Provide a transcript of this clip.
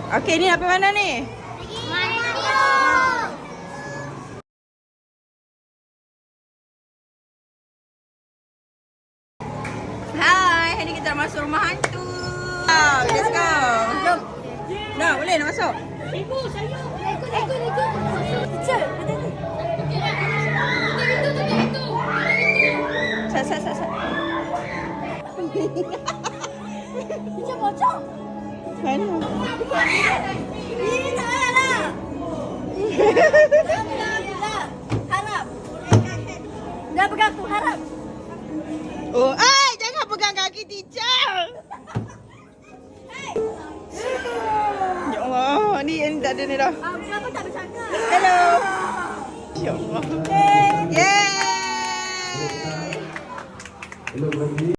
Okey, ni apa mana ni? Hai, hari ni kita nak masuk rumah hantu. Let's go. Jom. Dah, boleh nak masuk? Ikut. Teacher, ada ni. Sat. Teacher pocong. Mana? Ini tak lah. Harap. Dah pegang aku, harap. Oh, jangan pegang kaki teacher. Ya Allah, ni tak ada ni dah. Kenapa tak bercakap? Hello. Ya Allah. Yeay.